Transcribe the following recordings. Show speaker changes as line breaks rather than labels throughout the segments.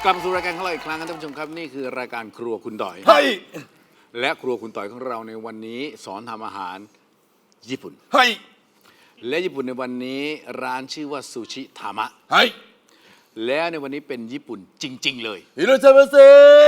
กลับมาสู่รายการของเราอีกครั้งครับท่านผู้ชมครับนี่คือรายการครัวคุณต่อย
เฮ้ย
และครัวคุณต่อยของเราในวันนี้สอนทำอาหารญี่ปุ่น
เฮ้ย
และญี่ปุ่นในวันนี้ร้านชื่อว่าซูชิทามะ
เฮ้ย
และในวันนี้เป็นญี่ปุ่นจริง ๆ เลย
ฮิโรชิมาเซ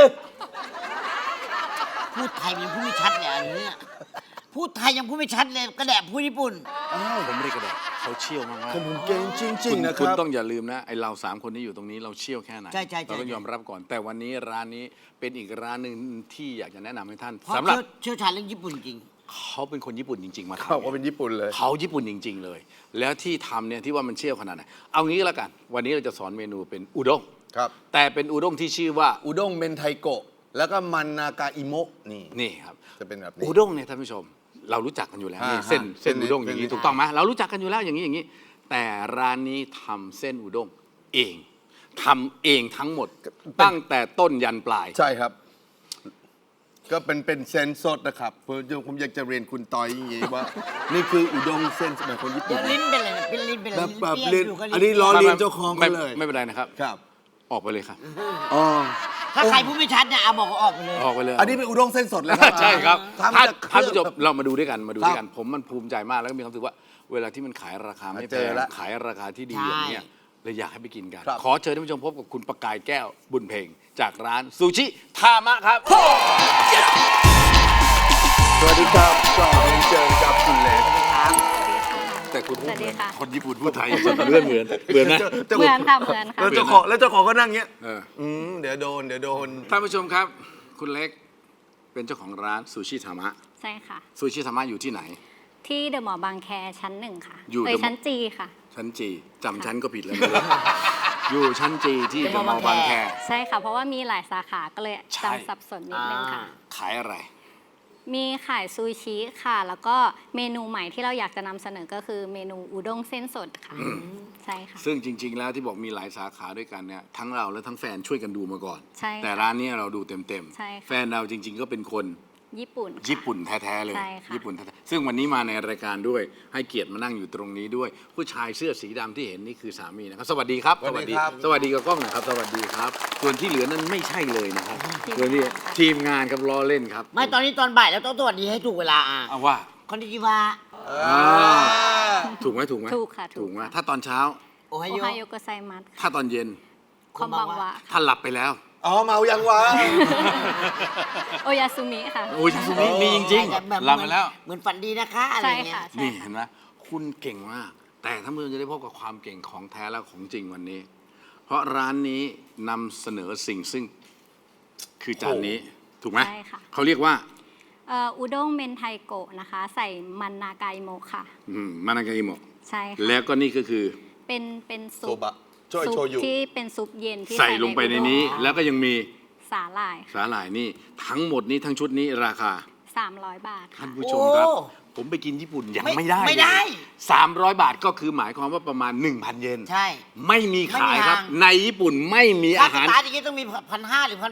พูดไทยยังพูดไม่ชัดเลยอันนี้พูดไทยยังพูดไม่ชัดเลยกระแดะพูดญี่ปุ่น
ผมไม่ได้กระแดกเขาเชี่ยวมาก
ผมเก่งจริ
ๆ
งๆนะค
คุณ
รับ
ต้องอย่าลืมนะไอเรา3 คนที่อยู่ตรงนี้เราเชี่ยวแค่ไหน
ใช่
เราต้องยอมรับก่อน แต่วันนี้ร้านนี้เป็นอีกร้านหนึ่งที่อยากจะแนะนำให้ท่าน
เพราะ
สำหรับ
เชี่ยวชาญเรื่องญี่ปุ่นจริง
เขาเป็นคนญี่ปุ่นจริง ๆ มา
เขา
ทำ
ว่าเป็นญี่ปุ่นเลย
เขาญี่ปุ่นจริง ๆ เลย แล้วที่ทำเนี่ยที่ว่ามันเชี่ยวขนาดไหนเอางี้ก็แล้วกัน วันนี้เราจะสอนเมนูเป็นอุด้ง
ครับ
แต่เป็นอุด้งที่ชื่อว่า
อุด้งเมนไทโกะ แล้วก็มันนากาอิโมะนี่
นี่ครับ
จะเป็นแบบนี้
อุด้งเนี่ยท่านผู้ชม เรารู้จักกันอยู่แล้วนี่
ฮะ
เส้นอุด้งอย่างนี้
เส้น
ถูกต้องไหมเรารู้จักกันอยู่แล้วอย่างนี้ แต่ร้านนี้ทำเส้นอุด้งเองทำเองทั้งหมด ตั้งแต่ต้นยันปลาย
ใช่ครับ ก็เป็นเส้นสดนะครับผมอยากจะเรียนคุณตอยอย่างนี้ว่า นี่คืออุด้งเส้นสมัยคนญี่
ๆ
ปุ่
เดี๋ย
น
วลิ้นเป็นอะไรนะเป็นลิ้นเป็นอะไร
แบบ
เปรี้
เรียน
ยวอยู่ก็
อันนี้ล้อเลียนเจ้าของเขาเลย
ไม่เป็นไรนะครับ
ครับ
ออกไปเลยครับ
อ๋อ
ถ้าใครพูดไม่ชัดเนี่ยเอาบอกว่าออกไปเลย
ออกไปเลย
อันนี้เป็นอุด้งเส้นสดเลยครับ
ใช่ครับ
ทำจาก
ท่านผู้ชม
เครื่อง
เรามาดูด้วยกันมาดูด้วยกัน
ครับ
ผมมันภูมิใจมากแล้วก็มีความรู้สึกว่า เวลาที่มันขายราคาไม่แพ
เจอง แล้ว
ขายราคาที่ดี
ใช่
อย่างเนี้ยเลยอยากให้ไปกินกัน
ครับ
ขอเชิญท่านผู้ชมพบกับคุณประกายแก้วบุญเพ็งจากร้านซูชิทามะครับ
สวัสดีครับก็เจอกับคุณเล็ก
ครับ
แต่คุณพูด
สวัสดีค่ะ
คนญี่ปุ่นพูดไทยเหมือนเหมือนนะ
เหมือนค่ะเหมือนค่ะ
แล้วเจ้าของก็นั่งเงี้ย
เออ
เดี๋ยวโดน
ท่านผู้ชมครับ คุณเล็กเป็นเจ้าของร้านซูชิทามะ
ใช่ค่ะ
ซูชิทามะอยู่ที่ไหน
ที่เดอะมอลล์บางแคชั้น 1 ค่ะ
อยู่
เอ้ย
The Mall
ชั้นจีค่ะ
ชั้นจีจำชั้นก็ผิดแล้วอยู่ชั้นจีที่เดอะมอลล์บางแค
ใช่ค่ะ เพราะว่ามีหลายสาขาก็เลย
ใช่
จำสับสนนิดนึงค่ะ
ขายอะไร
มีขายซูชิค่ะ แล้วก็เมนูใหม่ที่เราอยากจะนำเสนอก็คือเมนูอุด้งเส้นสดค่ะ ใช่ค่ะ
ซึ่งจริง ๆ แล้วที่บอกมีหลายสาขาด้วยกันเนี่ยทั้งเราและทั้งแฟนช่วยกันดูมาก่อน
ใช่ค่ะ
แต่ร้านนี้เราดูเต็ม
ใช่ค่ะ
แฟนเราจริง ๆ ก็เป็นคน
ญี่ปุ่นค่ะ
ญี่ปุ่นแท้ๆเลย
ใช่ค่ะ
ญี่ปุ่นแท้ๆซึ่งวันนี้มาในรายการด้วยให้เกียรติมานั่งอยู่ตรงนี้ด้วย ผู้ชายเสื้อสีดำที่เห็นนี่คือสามีนะครับ สวัสดีครับ
สวัสดีครับ
สวัสดีกับกล้องหนะครับ สวัสดีครับ ส่วนที่เหลือนั้นไม่ใช่เลยนะครับส่วนที่ทีมงานครับล้อเล่นครับ
ไม่ตอนนี้ตอนบ่ายแล้วต้องสวัสดีให้ถูกเวลาอ่ะ
เอาว่า
คอนนิจิวะ
ถูกไหมถูกไหม
ถูกค่ะถูก
ถูกไหม
ค่ะ
ถ้าตอนเช้า
โอไฮ
โอ
โย
ไฮโอโกไซมัส
ถ้าตอนเย็น
คอมบังวะ
ถ้าหลับไปแล้ว
อ๋อเมายังวะ
โอยาซุมิค่ะ
โอ้ยซูมิมีจริง
แบบ
ๆหลับไปแล้ว
เหมือนฝันดีนะคะอะไร
ใช่
เงี้
ค่ะ
ย
ใช่
นี่
ค่ะ
เห็นไหมคุณเก่งมาก แต่ท่านผู้ชมจะได้พบกับความเก่งของแท้และของจริงวันนี้ เพราะร้านนี้นำเสนอสิ่งซึ่งคือจานนี้ถูกไหม
ใช่ค่ะ
เขาเรียกว่า
อุด้งเมนไทโกะนะคะ ใส่มันนากาอิโมะค่ะ
มานากาอิโมะ
ใช่ค่ะ
แล้วก็นี่ก็คือ
เป็นซุ
โซ
ป
บะช่วย
ซุ
โช
ป
ยุ
ที่เป็นซุปเย็นที่
ใส่ลงไปในนี้
อุด้ง
แล้วก็ยังมี
สาหร่ายค่ะ
สาหร่ายนี่ ทั้งหมดนี้ทั้งชุดนี้ราคา
300 บาท
ท่า
ค่ะ
นผู้ชมครับ
โอ้
ผมไปกินญี่ปุ่นยัง
ไม่
ไม่ได้
ไม่ได้
300 บาทก็คือหมายความว่าประมาณ 1,000 เยน
ใช่
ไม่มีขายครับ
ไม่มีทาง
ในญี่ปุ่นไม่มี
ค่า
อา
ส
หาร
ตาร์ทอย่างงี้ต้องมี1,500หรือ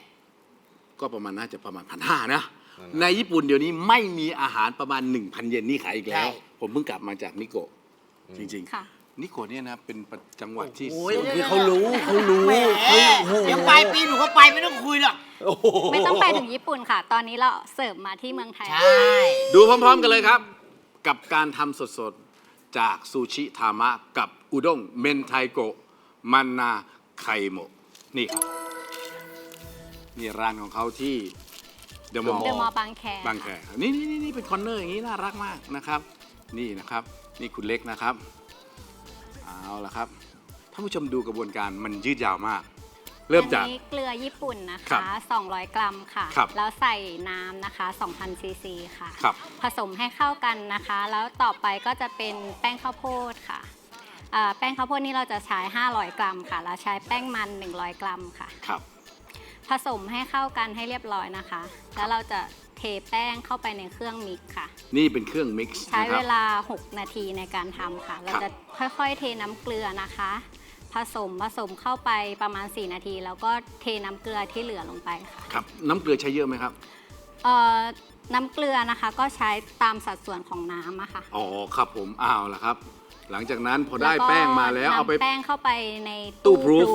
1,800
ก็ประมาณน่าจะประมาณ1,500นะ ในญี่ปุ่นเดี๋ยวนี้ไม่มีอาหารประมาณ 1,000 เยนนี่ขายอีกแล้ว ผมเพิ่งกลับมาจากนิโกะจริง
ค่ะ
ๆ นิโกะเนี่ยนะเป็นจังหวัดที่
โอ้ย
คือเขารู้
แหม
โอ้โห
เดี๋ยวปลายปีหนูก็ไปไม่ต้องคุยหรอก
โอ้โห
ไม่ต้องไปถึงญี่ปุ่นค่ะ ตอนนี้เราเสิร์ฟมาที่เมืองไทย
ใช่
ดูพร้อมๆกันเลยครับ กับการทำสดๆ จากซูชิทามะกับอุด้งเมนไทโกะมันนาไคโมะนี่ครับ นี่ร้านของเขาที่เดอะมอล
เดอะมอล
ล์
ล์บางแค
บางแคนี่เป็นคอนเนอร์อย่างนี้น่ารักมากนะครับ นี่นะครับ นี่คุณเล็กนะครับ เอาละครับท่านผู้ชมดูกระบวนการมันยืดยาวมาก เริ่มจาก
อันนี้เกลือญี่ปุ่นนะ
ครั
คะ
บ
200 กรัมค่ะ
ครับ
แล้วใส่น้ำนะคะ 2,000 ซีซีค่ะ
ครับ
ผสมให้เข้ากันนะคะ แล้วต่อไปก็จะเป็นแป้งข้าวโพดค่ะแป้งข้าวโพดนี่เราจะใช้ 500 กรัมค่ะ แล้วใช้แป้งมัน 100 กรัมค่ะ
ครับ
ผสมให้เข้ากันให้เรียบร้อยนะคะ แล้วเราจะเทแป้งเข้าไปในเครื่องมิกซ์ค่ะ
นี่เป็นเครื่องมิกซ์
ใช้
นะค
เว
รับ
ลา 6 นาทีในการทำค่ะ เราจะค่อยๆ เทน้ำเกลือนะคะ ผสมเข้าไปประมาณ 4 นาที แล้วก็เทน้ำเกลือที่เหลือลงไปค่ะ
ครับ น้ำเกลือใช้เยอะไหมครับ
น้ำเกลือนะคะก็ใช้ตามสัดส่วนของน้ำอะค่ะ
อ๋อครับผมเอาละครับ หลังจากนั้นพอได้แป้งมาแล้วเอาไป
นำแป้งเข้าไปใน
ตู้พรูฟ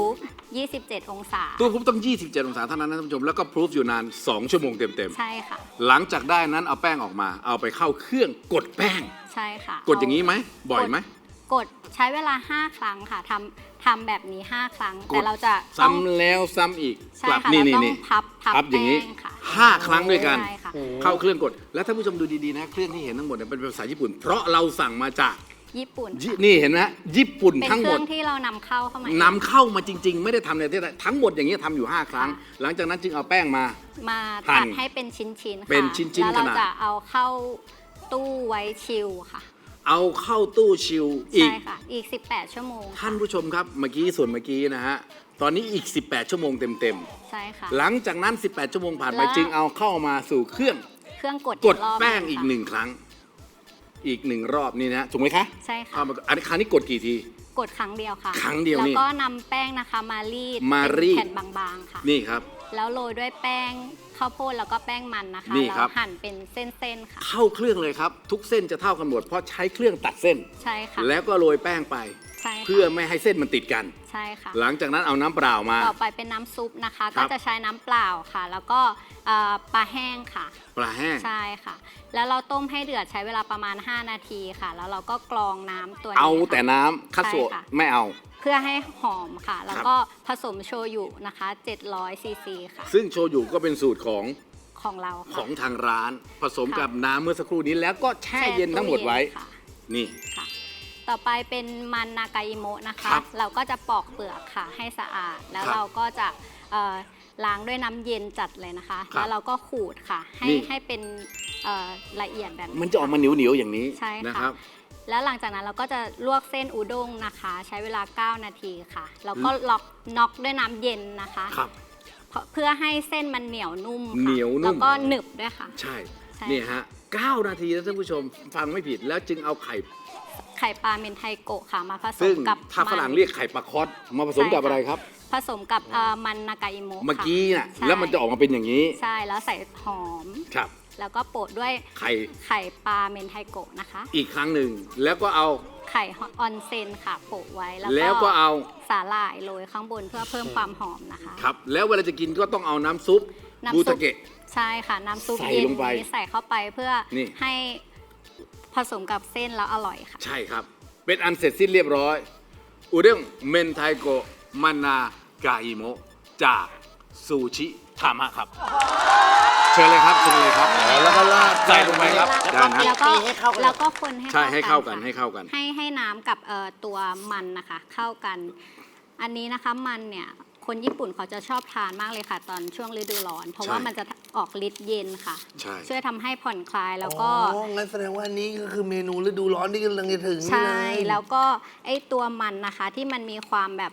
27 องศา
ตู้อบต้อง 27 องศาเท่านั้นนะท่านผู้ชมแล้วก็พรูฟอยู่นาน 2 ชั่วโมงเต็ม
ใช่ค่ะ
ๆหลังจากได้นั้นเอาแป้งออกมา เอาไปเข้าเครื่องกดแป้ง
ใช่ค่ะ
กดอย่างนี้ไหมบ่อยไหม
กดใช้เวลา 5 ครั้งค่ะทำแบบนี้ 5 ครั้ง
ก
แต่
ด
เราจะต้อง
ซ้ำแล้วซ้ำอีก
ใช่
กลับ
ค่ะ
นี่
เรา
นี่
ต้อง
นี่
พับ
อย่างนี้
แป้งค่ะ
5 ครั้งด้วยกัน
ใช่ค่ะ
เข้าเครื่องกด แล้วท่านผู้ชมดูดีๆนะเครื่องที่เห็นทั้งหมดเนี่ยเป็นภาษาญี่ปุ่น เพราะเราสั่งมาจาก
ญี่ปุ่น
นี่เห็นไหมญี่ปุ่น
เป็น
ทั้ง
เค
หม
รื่
ด
องที่เรานำเข้าเข้ามา
นำเข้ามาจริง ๆ ไม่ได้ทำในประเทศไทยทั้งหมดอย่างนี้ยทำอยู่ 5 ครั้ง
ค่ะ
หลังจากนั้นจึงเอาแป้งมา
มา
หั่
ตัด
น
ให้เป็นชิ้นๆค่ะ
เป็นชิ้นๆ
แล้ว
ขนาด
เราจะเอาเข้าตู้ไว้ชิลค่ะ
เอาเข้าตู้ชิลอีก
ใช่ค่ะ อีก 18 ชั่วโมง
ท่านผู้ชมครับเมื่อกี้ส่วนเมื่อกี้นะฮะตอนนี้อีก 18 ชั่วโมงเต็ม
ใช่ค่ะ
ๆหลังจากนั้น 18 ชั่วโมงผ่านไป
แล้ว
จึงเอาเข้ามาสู่เครื่อง
เครื่องกด
กด
รอบ
แป้งอีก
ค่ะ
1 ครั้ง อีก 1 รอบนี่นะถูกไหมคะ
ใช่ค่ะ
เอามาอันนี้ครั้งนี้กดกี่ที
กดครั้งเดียวค่ะ
ครั้งเดียวนี่
แล้วก็นำแป้งนะคะมารีด
มารีด
เป็นแผ่นบางๆค่ะ
นี่ครับ
แล้วโรยด้วยแป้งข้าวโพดแล้วก็แป้งมันนะคะ
นี่ครับ
แล้วหั่นเป็นเส้นๆค่ะ
เข้าเครื่องเลยครับ ทุกเส้นจะเท่ากันหมดเพราะใช้เครื่องตัดเส้น
ใช่ค่ะ
แล้วก็โรยแป้งไป
ใช่ค่ะ
เพื่อไม่ให้เส้นมันติดกัน
ใช่ค่ะ
หลังจากนั้นเอาน้ำเปล่ามา
ต่อไปเป็นน้ำซุปนะคะ
ครั
ก็
บ
จะใช้น้ำเปล่าค่ะ แล้วก็ปลาแห้งค่ะ
ปลาแห้ง
ใช่ค่ะ แล้วเราต้มให้เดือดใช้เวลาประมาณ 5 นาทีค่ะ แล้วเราก็กรองน้ำตัวนี้
เอา
ค่ะ
แต่น้ำคัตโซะ
ใช่ค่ะ
ไม่เอา
เพื่อให้หอมค่ะ แล้วก็ผสมโชยุนะคะ 700 ซีซีค่ะ
ซึ่งโชยุก็เป็นสูตรของ
ของเรา
ข
ค่ะ
องทางร้าน ผสม
ค่ะ
กับน้ำเมื่อสักครู่นี้แล้วก็แช่เย็นทั้งหมดไว้
ค่ะ
นี่
ค่ะ ต่อไปเป็นมันนากาอิโมะนะคะ
ครับ
เราก็จะปอกเปลือกค่ะให้สะอาด แล้ว
ครับ
เราก็จะล้างด้วยน้ำเย็นจัดเลยนะคะ
ครับ
แล้วเราก็ขูดค่ะ
นี่
ให้เป็นละเอียดแบบนี้
มันจะออกมาเหนียวๆอย่างนี้
ใช่
นะค
ค่ะ
รับ
แล้วหลังจากนั้นเราก็จะลวกเส้นอุด้งนะคะ ใช้เวลา 9 นาทีค่ะ แล้วก็น็อกด้วยน้ำเย็นนะคะ
ครับ
เพื่อให้เส้นมันเหนียวนุ่มค่ะ
เหนียวนุ่ม
แล้วก็หนึบด้วยค่ะ
ใช่
ใช่
นี่ฮะ 9 นาทีนะท่านผู้ชมฟังไม่ผิดแล้วจึงเอาไข่
ไข่ปลาเมนไทโกะค่ะมาผส
ซึ่
ม
ง
กับ
ถ้าฝรั่ง
มัน
เรียกไข่ปลาคอสมาผสมกับอะไรครับ
ผสมกับมันนากาอิโมะ
เมื่อกี้น่ะ
ค่ะ
แล้วมันจะออกมาเป็นอย่างนี้
ใช่แล้วใส่หอม
ครับ
แล้วก็โปะด้วย
ไข่
ไข่ปลาเมนไทโกะนะคะ
อีกครั้งหนึ่งแล้วก็เอา
ไข่ออนเซนค่ะโปะไว้
แล้วก็เอา
สาหร่ายโรยข้างบนเพื่อเพิ่มความหอมนะคะ
ครับ แล้วเวลาจะกินก็ต้องเอาน้ำซุป
น้ำ
บู
ซุ
ตะ
ป
เกะ
ใช่ค่ะ น้ำซุป
ใส่
เย็น
ลงไป
นี้ใส่เข้าไปเพื่อ
นี่
ให้ผสมกับเส้นแล้วอร่อยค่ะ
ใช่ครับ เป็นอันเสร็จสิ้นเรียบร้อย อุด้งเมนไทโกะมานากาอิโมะจากซูชิทามะครับ เชิญเลยครับเชิญเลยครับ
แล้วก็ราด
ใส่ลงไปครับ
แล้ว
ได้
ก็
นะ
แล้วก็
ตีให้เข้ากัน
แล้วก็คนให้
ใช่ให้เข้ากัน
ค่ะ
ให้เข้ากัน
ให้น้ำกับตัวมันนะคะ เข้ากัน อันนี้นะคะมันเนี่ยคนญี่ปุ่นเขาจะชอบทานมากเลยค่ะ ตอนช่วงฤดูร้อน เพราะว่า
ใช่
มันจะออกฤทธิ์เย็นค่ะ
ใช่
ช่วยทำให้ผ่อนคลายแล้วก็
อ๋องั้นแสดงว่านี่ก็คือเมนูฤดูร้อนที่กำลังจะถึงนี่
ใช่
เลย
แล้วก็ไอตัวมันนะคะที่มันมีความแบบ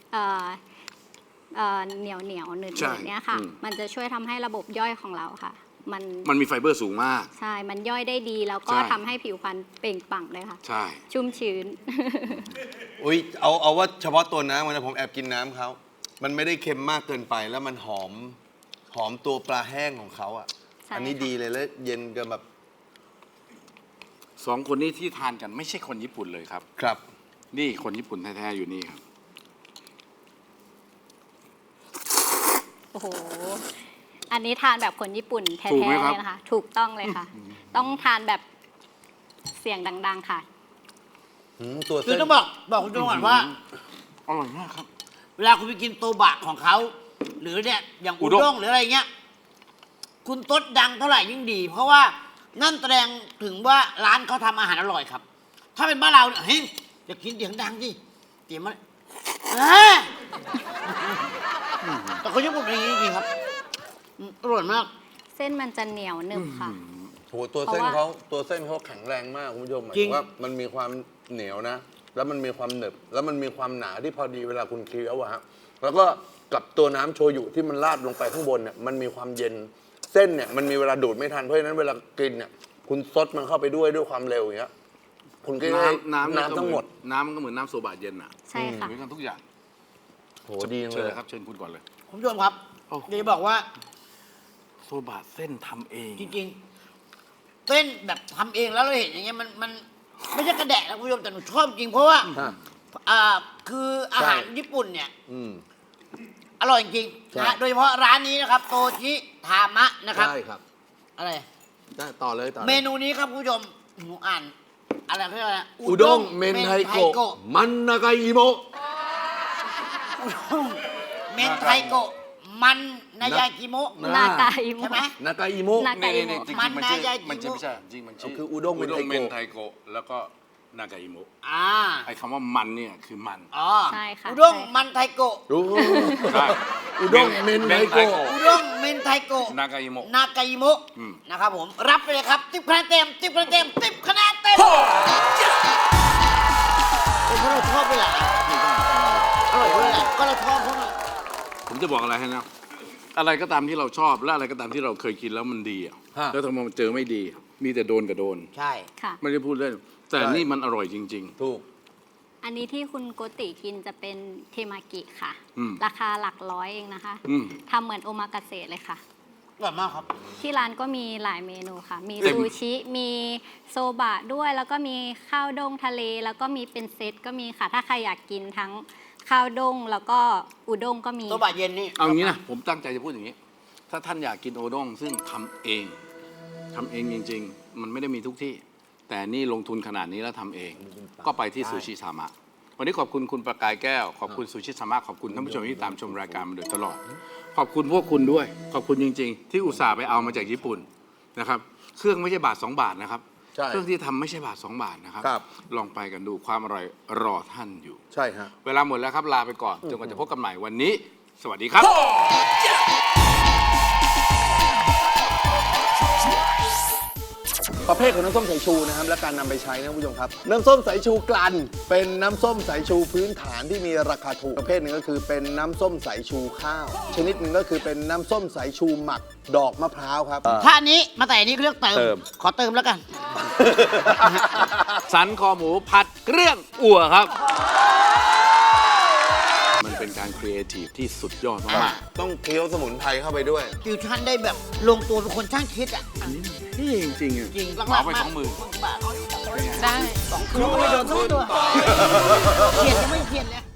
เหนียวหนืด
ใช่
ๆเนี่ยค่ะ
อืม
มันจะช่วยทำให้ระบบย่อยของเราค่ะ
มันมีไฟเบอร์สูงมาก
ใช่ มันย่อยได้ดีแล้วก็
ใช่
ทำให้ผิวพรรณเปล่งปลั่งเลยค่ะ
ใช่
ชุ่มชื้น
อุ้ยเอาว่าเฉพาะตัวน้ำมันนะผมแอบกินน้ำเขา มันไม่ได้เค็มมากเกินไปแล้วมันหอมตัวปลาแห้งของเขาอ่ะ
ใช่
อันนี้
ค่ะ
ดีเลยแล้วเย็นกันแบบ
สองคนนี้ที่ทานกันไม่ใช่คนญี่ปุ่นเลยครับ
ครับ
นี่คนญี่ปุ่นแท้ๆอยู่นี่ครับ
โอ้โห อันนี้ทานแบบคนญี่ปุ่นแท้
ถูก
ๆ
ไหมครับ
เลยนะคะ ถูกต้องเลยค่ะ ต้องทานแบบเสียงดัง ๆ ค่ะ
ตัว
คือ
เส้น
ต้องบอกคุณผู้ชมก่อนว่า
อร่อยมากครับ
เวลาคุณไปกินโตบะของเขา หรือเนี่ยอย่าง
อุ
อุ
ด้ง
ด้งหรืออะไรเงี้ย คุณตดดังเท่าไหร่ยิ่งดี เพราะว่านั่นแสดงถึงว่าร้านเขาทำอาหารอร่อยครับ ถ้าเป็นบ้านเราเนี่ยเฮ้ยอย่ากินเสียงดังสิเสียงมันแต่คนญี่ปุ่นเป็นอย่างนี้จริงๆครับอร่อยมาก
เส้นมันจะเหนียวหนึบค่ะ
โหตัวเส้น
เพราะว่า
ตัวเส้นเขาแข็งแรงมากคุณผู้ชมหมาย
จริ
ถึ
ง
งว่ามันมีความเหนียวนะ แล้วมันมีความหนึบแล้วมันมีความหนาที่พอดีเวลาคุณเคี้ยวอะฮะแล้วก็กับตัวน้ำโชยุที่มันราดลงไปข้างบนเนี่ยมันมีความเย็นเส้นเนี่ยมันมีเวลาดูดไม่ทันเพราะฉะนั้นเวลากินเนี่ยคุณซดมันเข้าไปด้วยความเร็วอย่างเงี้ยคุณก็ได้
น้ำ
น้ำทั้งหมด
น้ำก็เหมือนน้ำโซบะเย็นอ่ะ
ใช่ค่ะ
เหมือนกันทุกอย่าง
โหดีจัง
เชิญ
เล
เลย ยครับเชิญคุณก่อนเลย
คุณผู้ชมครับ
โอ้โห
เดี๋ยวจะบอกว่า
โซบะเส้นทำเอง
จริงๆเส้นแบบทำเองแล้วเราเห็นอย่างเงี้ยมันไม่ใช่กระแดะนะคุณผู้ชมแต่หนูชอบจริงเพราะว่า
ฮะ
คืออาหารญี่ปุ่นเนี่ย
อืม
ร่อยจริงๆนะฮะโดยเฉพาะร้านนี้นะครับโตชิทามะนะครับ
ใช่ครับ
อะไร
ได้ต่อเลยต่อเลย
เมนูนี้ครับคุณผู้ชมหนูอ่านอะไรเขาเรียกว่าอะไร
อุด้งเมนไทโกะมันนากาอิโมะ
อุด้งเมนไทโกะมันนายากิโมะ
นากาอิโม
ใช่ไหม
ะ
นากาอิโมะ
นา
นี่นี่จริง
มัน
ๆมันชื่อ
น่าจะ
มันชื่อไม่ใช่จริงมันชื่อ
คืออุด้งเมนไทโกะ
เมนไทโกะแล้วก็นากาอิโมะ
อ่า
ไอ้คำว่ามันเนี่ยคือมัน
อ๋อ
ใช่ค่ะ
อุด้ง
ใช่ค่ะ
มันไทโกะ
รู้
ใช่
อุด้งเมนไทโกะ
อุด้งเมนไทโกะ
นากาอิโมะ
นากาอิโมะ
อืม
นะครับผมรับไปเลยครับ10 คะแนนเต็ม10 คะแนนเต็ม10 คะแนนเต็มเป็นเพราะเราชอบไปแหละอร่อยด้วยแหละก็เราชอบเขาหน่อย
ผมจะบอกอะไรให้นะ อะไรก็ตามที่เราชอบและอะไรก็ตามที่เราเคยกินแล้วมันดีอะ
ฮะ
แล้วทำไมมันเจอไม่ดี มีแต่โดนกับโดน
ใช่
ค่ะ
ไม่ได้พูดเล่น แต่
ใช่
นี่มันอร่อยจริง
ถูก
อันนี้ที่คุณโกติกินจะเป็นเทมากิค่ะ
อืม
ราคาหลักร้อยเองนะคะ
อืม
ทำเหมือนโอมากาเสะเลยค่ะ
อร่อยมากครับ
ที่ร้านก็มีหลายเมนูค่ะ มี
เต็ม
ซูชิ มีโซบะด้วย แล้วก็มีข้าวด้งทะเล แล้วก็มีเป็นเซตก็มีค่ะ ถ้าใครอยากกินทั้งข้าวด้งแล้วก็อุด้งก็มี
โซบะเย็นนี่
ๆ เอางี้นะ ผมตั้งใจจะพูดอย่างนี้ ถ้าท่านอยากกินโอด้งซึ่งทำเองจริง ๆ มันไม่ได้มีทุกที่ แต่นี่ลงทุนขนาดนี้แล้วทำเอง ก็ไปที่ซูชิซามะ วันนี้ขอบคุณคุณประกายแก้ว ขอบคุณซูชิซามะ ขอบคุณท่านผู้ชมที่ตามชมรายการมาโดยตลอด ขอบคุณพวกคุณด้วย ขอบคุณจริง ๆ ที่อุตส่าห์ไปเอามาจากญี่ปุ่นนะครับ เครื่องไม่ใช่บาท 2 บาทนะครับ
ใช่
เครื่องที่ทำไม่ใช่บาท 2 บาทนะครับ
ครับ
ลองไปกันดูความอร่อยรอท่านอยู่
ใช่ฮะ
เวลาหมดแล้วครับลาไปก่อนจนกว่าจะพบกันใหม่วันนี้ สวัสดีครับ
ประเภทของน้ำส้มสายชูนะครับและการนำไปใช้นะคุณผู้ชมครับ น้ำส้มสายชูกลั่นเป็นน้ำส้มสายชูพื้นฐานที่มีราคาถูกประเภทหนึ่งก็คือเป็นน้ำส้มสายชูข้าว ชนิดหนึ่งก็คือเป็นน้ำส้มสายชูหมักดอกมะพร้าวครับ
ถ้าอันนี้มาแต่อันนี้เขาเรียกเติ
เติม
ขอเติมแล้วกัน
สันคอหมูผัดเครื่องอั่วครับ มันเป็นการครีเอทีฟที่สุดยอดมาก
ต้องเคี้ยวสมุนไพรเข้าไปด้วย
ฟิวชั่นได้แบบลงตัวเป็นคนช่างคิดอ่ะ
ๆอันนี้นี่จริงๆอ่ะ
จริง
เอาไป
มาก
20,000
ได้2 คืนก็ไม่โดนสักตัวเขียนยังไม่เขียนเลย